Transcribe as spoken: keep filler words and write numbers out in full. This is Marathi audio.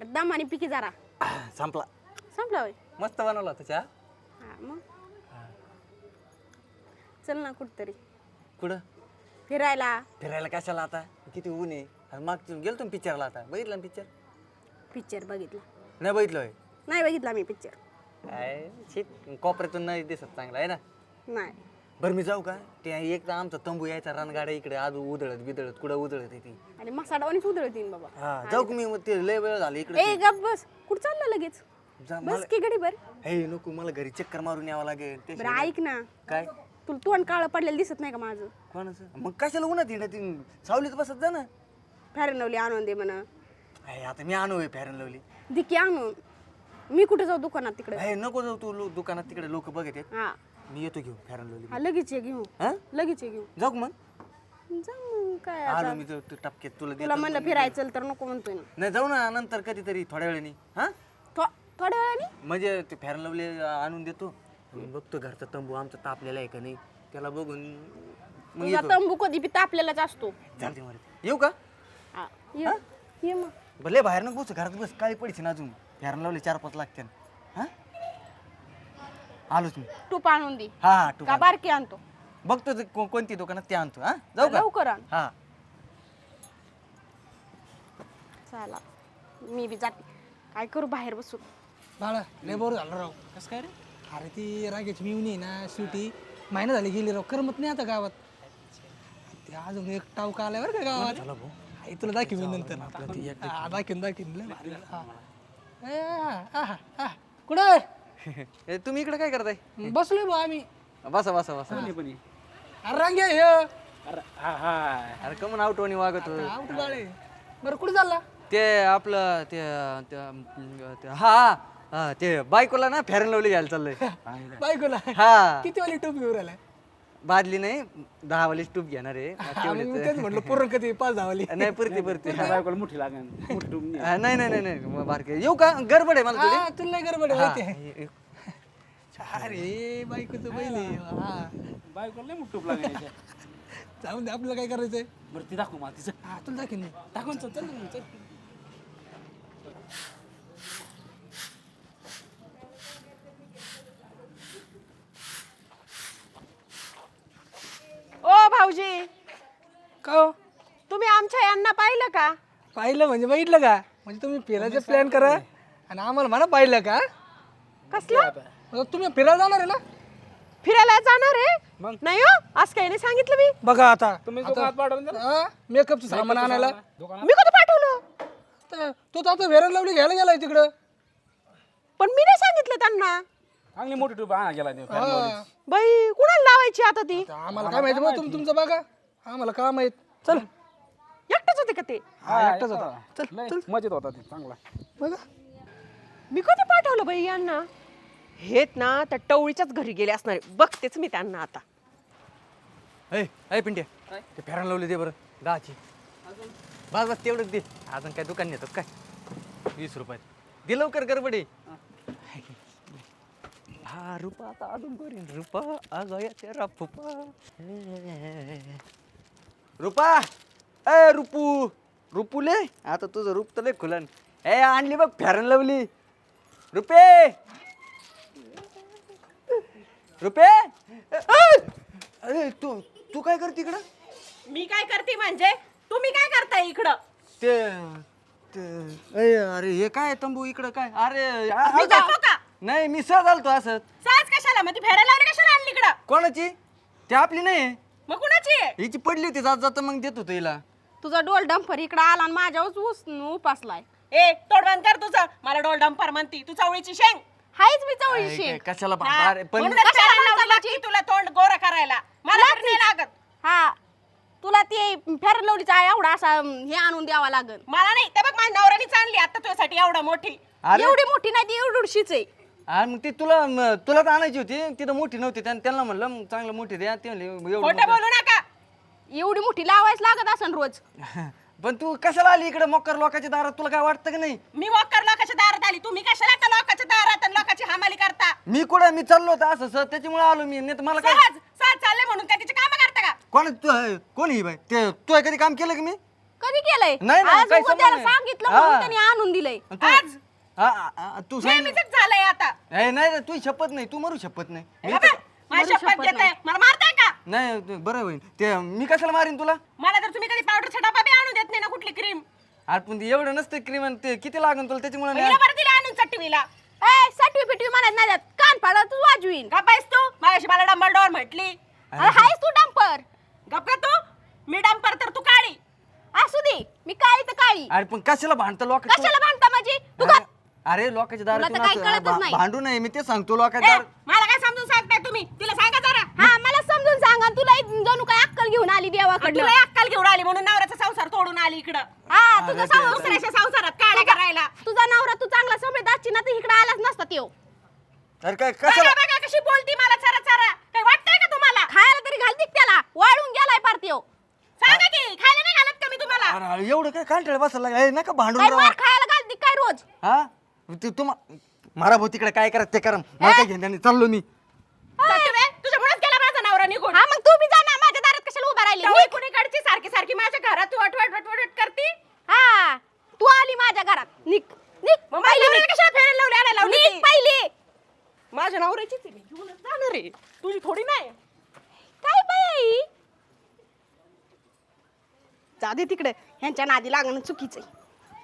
दमाने पिकी जरा संपला. संपला होय. मस्त बनवला होता चहा. हा मग चल ना कुठतरी कुठं फिरायला. फिरायला कशाला आता किती ऊन आहे. आणि मागचं गेलो तुम्ही पिक्चरला आता बघितलं ना पिक्चर. पिक्चर बघितला नाही बघितलं नाही बघितला मी पिक्चर. काय शीत कोपऱ्यातून नाही दिसत चांगला आहे ना. नाही बरं मी जाऊ का ते एक तर आमचा तंबू यायचा रणगाड्या इकडे आज उधळत बिदळत कुठं उधळत ती. आणि मसाडावानीच उधळतीन बाबा. हा जाऊ का मी मग ते लय वेळ झाला इकडे. ए गप बस कुठं चालला लगेच. जा बस मला की गडी बर. हे नको मला घरी चक्कर मारून यावं लागेल. ते बरं ऐक ना काय तुला तोंड काळं पडलेलं दिसत नाही का माझं. कोणाचं मग कशाला उन्हात येणं ती सावलीत बसत जा ना. फॅरन लवली आणून दे म्हणा. अरे आता मी आणू फॅरन लावली. दिकी आणून मी कुठे जाऊ दुकानात तिकडे. हे नको जाऊ तू लो- दुकानात तिकडे लोक बघत आहेत. हा मी येतो घेऊ फॅरन लावली. हा लगेच ये घेऊ हा लगेच ये घेऊ. जाऊ का मग जा मग काय आलो आता. मी जाऊ तू टपक्यात तुला तुला देतो. म्हणलं फिरायचं तर नको म्हणतोय ना. नाही जाऊ ना नंतर कधीतरी थोड्या वेळाने. हा थो- थोड्या वेळाने म्हणजे ते फॅरन लावले आणून देतो. मी बघतो घरचा तंबू आमचा तापलेला आहे का नाही त्याला बघून मग तुझा येतो. तंबू कधी बी तापलेलाच असतो. चालते मला येऊ का हा ये ये मग. भले बाहेर नको बस घरात बस काळी पडीची ना अजून फॅरन लावले चार पाच लागते. हा आलोच मी. तूप आणून दे हा हा तू का बारकी आणतो. बघतो ते को- कोणती दुकानात ते आणतो. हा जाऊ का लवकर आण. हा चला मी बी जाते काय करू बाहेर बसून. बाळा लय बोर झालं राव. कसं काय रे. अरे ती रागेची मिवणी आहे ना सुटी महिना झाली गेली राव करमत नाही आता गावात. ते अजून एक टावका आलाय बरं का गावात. आई तुला दाखव मी नंतर. हा, दाखवीन दाखवीन लय भारी. हा. ए, हा, हा, हा. कुठं ए, तुम्ही इकडे काय करताय. बसलोय बा आम्ही. बसा बसा बसा. अरे रांगे हे अरे कमून आउटवणी वागत होतो. आवट बाळे. बरं कुठं चालला ते आपलं ते ते- ते- हा हा ते बायकोला ना फॅरन लावली घ्यायला चाललंय. बायकोला हा किती वाली टोपी घेऊन राहिलाय. बादली नाही दहा वाली टूप घेणार आहे. हा, मग मी तेच म्हटलं पूर्ण कधी पाच धावली. नाही पुरती पुरती. बायकोला मोठी लागेल मोठी टुमणी. हा, नाही नाही नाही नाही मग बारके येऊ का गडबड आहे मला थोडी. हा तुला नाही गडबड आहे, माहिती आहे. हा, अरे बायकोचं बैल आहे. हा बायकोला लय मोठी टूप लागेल. जाऊन दे आपल्याला काय करायचंय. बरं ती दाखव मला तिचं. हा तुला दाखवीन मी. दाखवून चल चल चल. ओ भाऊजी का हो? तुम्ही आमच्या यांना पाहिलं का. पाहिलं म्हणजे बघितलं का म्हणजे तुम्ही फिरायचं प्लॅन करा आणि आम्हाला म्हणा पाहिलं का. कसला मग तुम्ही फिरायला जाणार आहे ना. फिरायला जाणार आहे नाही हो आज काही नाही सांगितलं मी. बघा आता तुम्ही दुकानात पाठवून द्या ना. मेकअपचं सामान आणायला. मी कधी पाठवलं तर तो तर आता वेरण लावली घ्यायला गेलाय तिकडं. पण मी नाही सांगितलं त्यांना. चांगली मोठी टूप आणा गेला नाही. हा. बाई कुणाला लावायची आता ती. आता आम्हाला काय माहिती मग तुम्ही तुमचं बघा आम्हाला काय माहित. चल एकटेच होते का ते. हा एकटाच होता. चल लय मजेत होता ते चांगला. बघा मी कधी पाठवलं बाई यांना. हेत ना त्या टवळीच्याच घरी गेले असणार आहे. बघतेच मी त्यांना आता. ए ए पिंट्या ते फॅरन लावले दे बरं दहाची. बस बस तेवढंच दे. अजून काय दुकान नेतात काय वीस रुपयात दे लवकर गडबड आहे. हा रुपा आता अजून करीन रुपा अगं तेरा फुपा रुपा ए रुपू रुपूले आता तुझं रूप तर लय खुलन. ए आणली बघ फॅरन लावली रुपे रुपे अरे तू तू काय करते इकडं. मी काय करते म्हणजे तुम्ही काय करताय इकडं. ते ते- ए, अरे हे काय तंबू इकडं काय अरे आ- मी आ- जातो का? नाही मी सहज आलतो असं. साज कशाला मग ती फेरायला लावली कशाला आणली इकडं. कोणाची ती आपली नाही मग कुणाची आहे? हिची पडली होती जात जात मग देत होतो हिला. तुझा डोल डंपर इकडं आला आणि माझ्यावर ऊस उपासलाय. ए तोड बंद कर तुझं. मला डोल डंपर म्हणती तू चवळीची शेंग. हायच मी चवळीची काय- शेंग. कशाला बा- हा, अरे, पण म्हणूनच फेरायला लावली तुला तोंड गोरा करायला. मला नाही लागत. हा तुला ते फेर लावलीचा एवढा असा हे आणून द्यावा लागल. मला नाही ते बघ माझ्या नवऱ्यानेच आणली आता तुझ्यासाठी एवढा मोठी. अरे. एवढी मोठी नाही ती एवढीशीच आहे. आणि मग ती तुला म- तुला तर आणायची होती तिथं मोठी नव्हती त्यां- त्यांना म्हणलं मग चांगलं मोठी द्या ते म्हणले एवढी खोटं मोठी. बोलू नका. एवढी मोठी लावायच लागत असन रोज. पण तू कशाला आली इकडे मोकर लोकांच्या दारात तुला काय वाटतं का नाही. मी वॉकर लोकांच्या दारात आली. तुम्ही कशाला का लोकांच्या दारात आणि लोकांची हमाली करता. मी कुठं मी चाललो होतो असं सर त्याच्यामुळे आलो मी नाही तर मला काय. सहज सहज चालले म्हणून काय तिचे काम करता का. कोण तू कोण ही बाई ते तू कधी काम केलं की मी कधी केलंय नाही, नाही, आज काही उगाच संबंध त्याला नाही. सांगितलं हा. म्हणून त्याने आणून दिलंय तू- आज हा, हा, हा, तू सांग नेहमीच झालंय आता ए, नाही रे, तू शपथ नाही तू मरू शपथ नाही मी बाबा, तर- माझी शपथ घेताय मला मारताय का नाही ते बरं होईल ते मी कशाला मारीन तुला मला तर तुम्ही कधी पावडरचा डबा बी आणून देत नाही ना कुठली क्रीम अरे पण ते एवढं नसतं क्रीम ते किती लागन तुला त्याच्यामुळे हिला बरं दिला आणून चटवीला ए सटवी पिटवी म्हणत नाही देत. कान फाडा तू वाजवीन का पाहिस तू माझ्याशी मला डंबर डोर म्हटली अरे हायस तू डंपर गप का तू मी डंपर तर तू काळी असू दे मी काळी तर काळी अरे पण कशाला भांडतं लोक कशाला भांडता माझी तू का अरे लोकांच्या तुला तर काही कळतच दारात नाही. भांडू नये मी ते सांगतो लोकांच्या दारात मला काय समजून सांगताय तुम्ही तिला सांगा जरा हा मला समजून सांगा तुला जणू काय अक्कल घेऊन आली देवाकडे तुला अक्कल घेऊन आली म्हणून नवऱ्याचा संसार तोडून आली इकडं हा तुझा संसार दुसऱ्याच्या संसारात काढा करायला तुझा नवरा तू चांगला समजत असची ना तर इकडे आलाच नसता त्यो अरे काय बघा कशाला बघा कशी बोलती मला चरा चरा काय वाटतंय का तुम्हाला खायला तरी घालती का त्याला वाळून गेलाय पार त्यो सांगा की खायला नाही घालत का मी तुम्हाला अरे एवढं काय कांठळ बसायला लागलं? ए, नका भांडून काय राहा मार खायला घालती काय रोज हा ते तुम्हा मारा भाऊ तिकडे काय करा ते करा मला काय घेणं चाललो मी तुझ्यामुळेच गेला माझा नवरा निघून हा मग तू बी जा ना माझ्या दारात कशाला उभा राहिली मी कुणीकडची सारखी सारखी माझ्या घरात तू वट वट वट वट करती हा तू आली माझ्या घरात निक निक मग माझ्या कशाला फेरायला लावली आणायला लावली निक पहिली माझ्या नवऱ्याचीच आहे मी घेऊनच जाणार आहे तुझी थोडी नाही काय बाई जा दे तिकडे ह्यांच्या नादी लागणं चुकीचं आहे